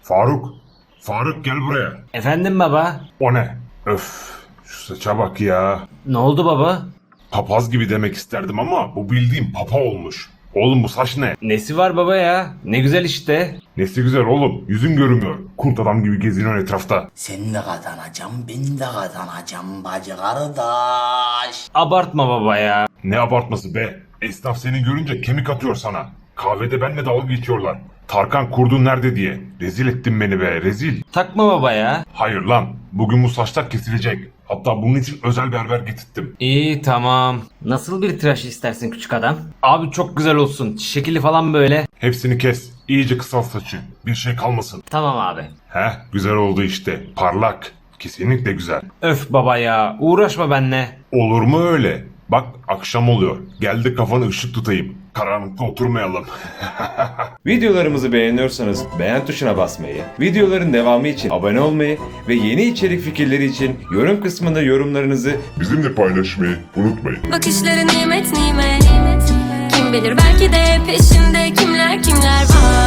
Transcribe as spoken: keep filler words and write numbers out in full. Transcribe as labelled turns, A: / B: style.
A: Faruk. Faruk gel buraya.
B: Efendim baba?
A: O ne? Öf. Şu saça bak ya.
B: Ne oldu baba?
A: Papaz gibi demek isterdim ama bu bildiğim papa olmuş. Oğlum bu saç ne?
B: Nesi var baba ya? Ne güzel işte.
A: Nesi güzel oğlum. Yüzün görünmüyor. Kurt adam gibi geziniyorsun etrafta.
C: Sen de kazanacağım, ben de kazanacağım bacı kardeş.
B: Abartma baba ya.
A: Ne abartması be. Esnaf seni görünce kemik atıyor sana. Kahvede benimle dalga geçiyorlar. Tarkan kurdun nerede diye. Rezil ettin beni be rezil.
B: Takma baba ya.
A: Hayır lan. Bugün bu saçlar kesilecek. Hatta bunun için özel berber getirttim.
B: İyi tamam. Nasıl bir tıraş istersin küçük adam? Abi çok güzel olsun. Şekili falan böyle.
A: Hepsini kes. İyice kısalt saçı. Bir şey kalmasın.
B: Tamam abi.
A: Heh güzel oldu işte. Parlak. Kesinlikle güzel.
B: Öf baba ya. Uğraşma benimle.
A: Olur mu öyle? Bak akşam oluyor. Geldi kafanı ışık tutayım. Karanlıkta oturmayalım.
D: Videolarımızı beğeniyorsanız beğen tuşuna basmayı, videoların devamı için abone olmayı ve yeni içerik fikirleri için yorum kısmında yorumlarınızı
A: Bizimle paylaşmayı unutmayın.
E: Bakışları nimet nimet. Kim bilir belki de peşinde kimler kimler var.